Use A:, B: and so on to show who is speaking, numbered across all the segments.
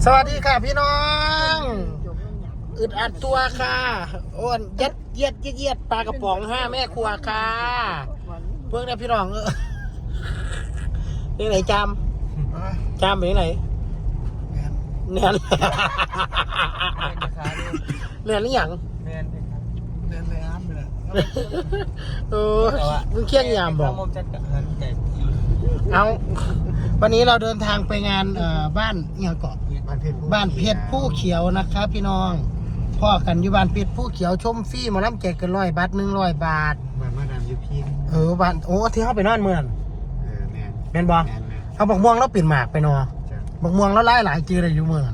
A: สวัสดีค่ะพี่น้องอึดอัดตัวค่ะอ้วนยัดเยียดปลากระป๋อง5แม่ครัวค่ะเพิ่งได้พี่น้องนี่ไหนจามไปไหนเนียนหรือยัง
B: เนียนเลยอ้ามไปเลย
A: มึงเคี่ยงยามบอกเอาวันนี้เราเดินทางไปงานบ้านเงียเกาะบ้านเพชรผู้เขียวนะครับพี่น้องพ่อกันอยู่บ้านเพชรผู้เขียวชมฟรีมาล้ำแจกกัน100 บาท100 บาท
B: บ้านมาดามยูพี
A: บ้านโอ้ที่เขาไปนอนเมืองแมนบอเอาบักม่วงแล้วปิ่นหมากไปนอบักม่วงแล้วไล่หลายจือเลยอยู่เมือง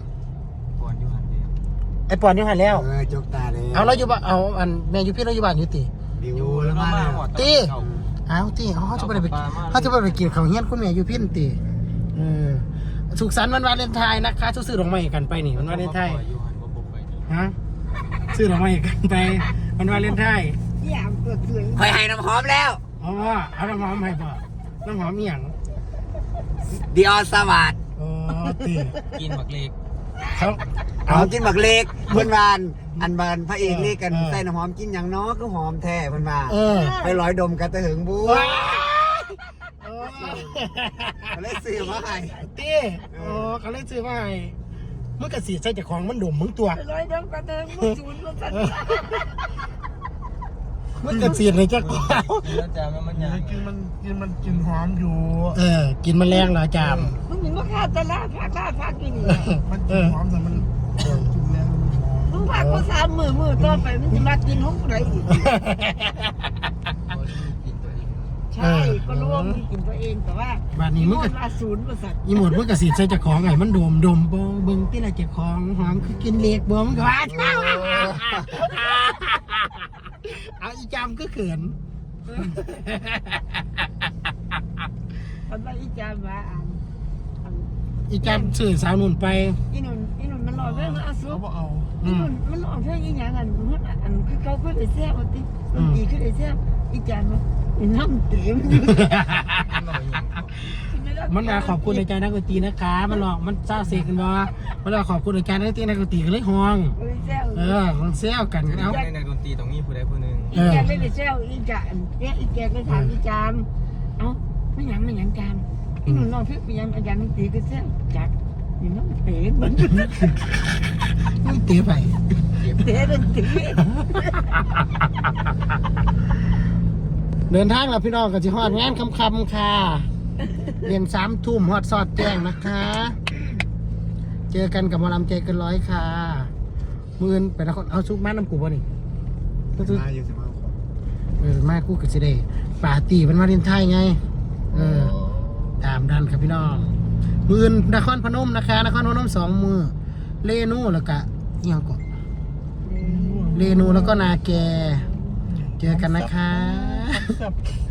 A: ไอปอนอยู่หันแล้ว
B: จกตาเลย
A: เอาแล้วอยู่บ้านเอาอันแม่อยู่พี่เราอยู่บ้านอยู่ตี
B: อยู่แล้วมา
A: ตีเอาตีเขาจะไปกินข้าวเฮี้ยนคุณแม่อยู่พี่ตีสุขสันต์วันวาเลนไทน์นะคะซื้อดอกไม้กันไปนี่วันวาเลนไทน์ฮะซื้อดอกไม้กันไปวันวาเลนไทน์
B: คอยให้น้ำหอมแล้ว
A: อ๋อเอาน้ำหอมให้ป่ะน้ำหอมมีอย่าง
B: ดิออสวัสดิ์
A: อ๋อตี
B: กินบักเล็ก
A: เอา
B: กินบักเล็กเพื่อนบ้านอันบานพระเอกเล็กกันใส่น้ำหอมกินอย่างน้อก็หอมแท้เพื่อนบ้านไปร้อยดมกันตะหึงบู๊เขาเล่นซื้อมาให้
A: ตีเขาเล่นซื้อมาให้เมื่อกระสีใส่จากของมันดมมึงตัว
C: ร้อยดมกันตะหึงมึงจูนมึงกัน
A: เมื่อกระสีเลยจะกล่าว
B: มันกินหอมอยู่
A: กินมันแรงเหรอจาม
C: มึงเห็นว่าข้าจะล่าพากิน
B: มันกินหอมแต่มันกินแล้ว
C: มึงพาเขา3 มือต่อไปมึงจะมากินของกูไหนอีกใช่ก็รู้ว่ามึงกินตัวเองแต่ว่า
A: บ้านนี้มึง
C: ก็0%
A: อีหมดมึงกระสีใส่จากของไงมันดมบงเบิ้งที่ไรจากของหอมคือกินเล็กบงกว่าเอาอีจามก็เขิน
C: ตอนนั้นอีจามมา
A: อีจามสื่อสาวนุ่นไป
C: อีนุ่นมันหล่อเรื่องอาซุป
B: เอา
C: อีนุ่นมันหล่อเรื่องอีหยังอันคือเขาขึ้นไอ้แซ่บอ่ะติมันดีขึ้นไอ้แซ่บอีจามมันน้ำเต็ม
A: มันมาขอบคุณในใจนักดนตรีนะคะมันหลอกมันเศร้าเสียกันบ่มันหลอกขอบคุณในใจนักดนตรีกันเลยห่วงมันเซลกัน
B: เอาในนักดนตรีตรงนี้ผู้ใดผู้หนึ่ง
C: อีแกไม่ได้เซลอีจามอีแกก็ถามอีจามเอ้าไม่หยังจามอีหนุ่นน้องเพื่อนยังอาจารย์ดนตรีก็เซลจัดนี่น้องเต๋อมัน
A: เต๋อไป
C: เต๋อดนตรี
A: เดินทางแล้วพี่น้องก็จะฮอดงานคำๆค่ะเรียน3 ทุ่มฮอดสอดแจ้งนะคะเจอกันกับหมอลำใจเกินร้อยค่ะมือนไปนครเอาซุกมาน้ำกูบ่นี่
B: มาอยู่สิมา
A: มากูกับสิเดปาตีมันมาเรียนไทยไงตามดันครับพี่น้องมือนนครพนมนะคะนครพนม2 มือเลนูแล้วก็เงี้ยก่อนเลนูแล้วก็นาแกเจอกันนะคะ